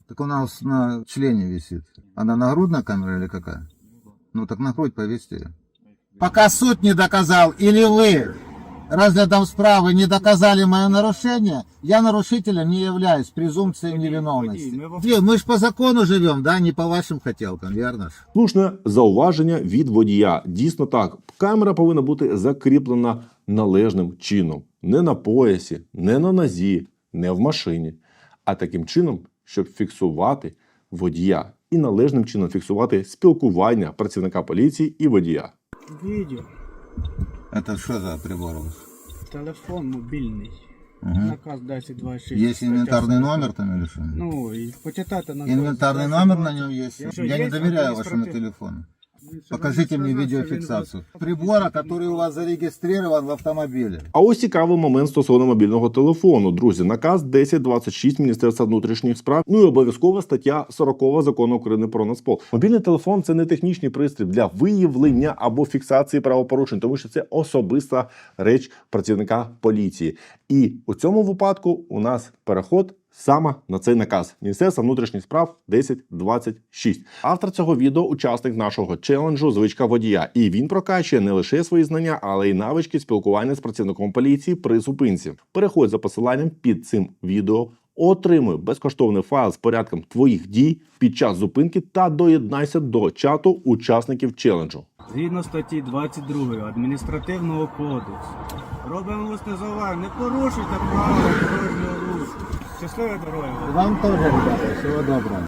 Так у нас на члене висит. Она нагрудная камера или какая? Ну так на грудь повесьте ее. Пока суд не доказал, или вы разглядом справы не доказали мое нарушение, я нарушителем не являюсь, презумпцией невиновности. Мы ж по закону живем, да, не по вашим хотелкам, верно ж? Слушне зауваження від водія. Дійсно так, камера повинна бути закріплена належним чином. Не на поясі, не на нозі, не в машині. А таким чином, щоб фіксувати водія. І належним чином фіксувати спілкування працівника поліції і водія. Відео. Это что за прибор у вас? Телефон мобільний. Угу. Наказ 1026. Есть инвентарный номер там или что? Ну, і почитайте наказ. Инвентарный номер на нем есть? Якщо Я є, не доверяю вашему адміністратив- телефону. Покажите мне видеофиксацию прибора, который у вас зарегистрирован в автомобиле. А ось цікавий момент стосовно мобільного телефону. Друзі, наказ 1026 Міністерства внутрішніх справ, ну і обов'язкова стаття 40 Закону України про Нацпол. Мобільний телефон – це не технічний пристрій для виявлення або фіксації правопорушень, тому що це особиста реч працівника поліції. І у цьому випадку у нас переход саме на цей наказ Міністерства внутрішніх справ 1026. Автор цього відео – учасник нашого челенджу «Звичка водія». І він прокачує не лише свої знання, але й навички спілкування з працівником поліції при зупинці. Переходь за посиланням під цим відео, отримуй безкоштовний файл з порядком твоїх дій під час зупинки та доєднайся до чату учасників челенджу. Згідно статті 22 Адміністративного кодексу. Робимо усне зауваження. Не порушуйте правила дорожнього руху. Щасливої дороги. Вам тоже, ребята, всего доброго.